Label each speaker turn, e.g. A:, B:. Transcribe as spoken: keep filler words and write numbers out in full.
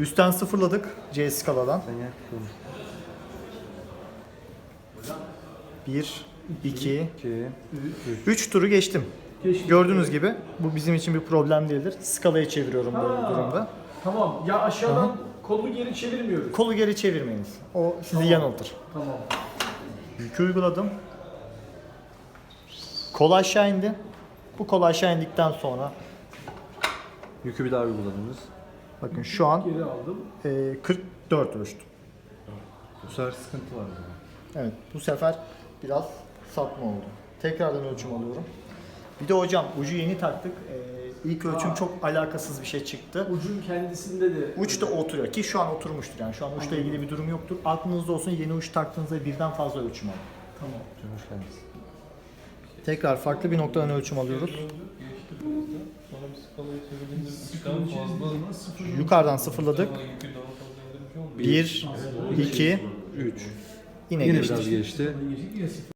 A: Üstten sıfırladık C skaladan.
B: Sen yak konuş.
A: bir, iki,
B: iki,
A: üç turu geçtim. Gördüğünüz gibi bu bizim için bir problem değildir. Skalaya çeviriyorum böyle bir
C: Ha.
A: durumda.
C: Tamam. Ya aşağıdan kolu geri çevirmiyoruz.
A: Kolu geri çevirmeyiniz. O sizi
C: Tamam.
A: yanıltır.
C: Tamam.
A: Yükü uyguladım. Kol aşağı indi. Bu kol aşağı indikten sonra
B: Yükü bir daha uyguladınız.
A: bakın şu an
C: Geri aldım.
A: e, kırk dört ölçtüm.
B: Bu sefer sıkıntı var o zaman.
A: Evet, bu sefer biraz sapma oldu. Tekrardan ölçüm alıyorum. Bir de hocam ucu yeni taktık. Ee, ilk ölçüm
C: Aa.
A: çok alakasız bir şey çıktı.
C: Ucun kendisinde de.
A: Uç da oturuyor ki şu an oturmuştur yani şu an uçla ilgili bir durum yoktur. Aklınızda olsun, yeni uç taktığınızda birden fazla ölçüm alın.
C: Tamam.
B: Hoş geldiniz.
A: Tekrar farklı bir noktadan ölçüm alıyoruz.
D: Sonra bir skalayı çevirdiğinde üçten fazla
C: Sıfır.
A: Yukarıdan sıfırladık.
D: yükü daha fazla indirmiş olmuyor.
A: bir, iki,
B: üç.
A: yine
B: Yine
A: geçtik.
B: biraz geçti.
C: Geçtik ya sıfır.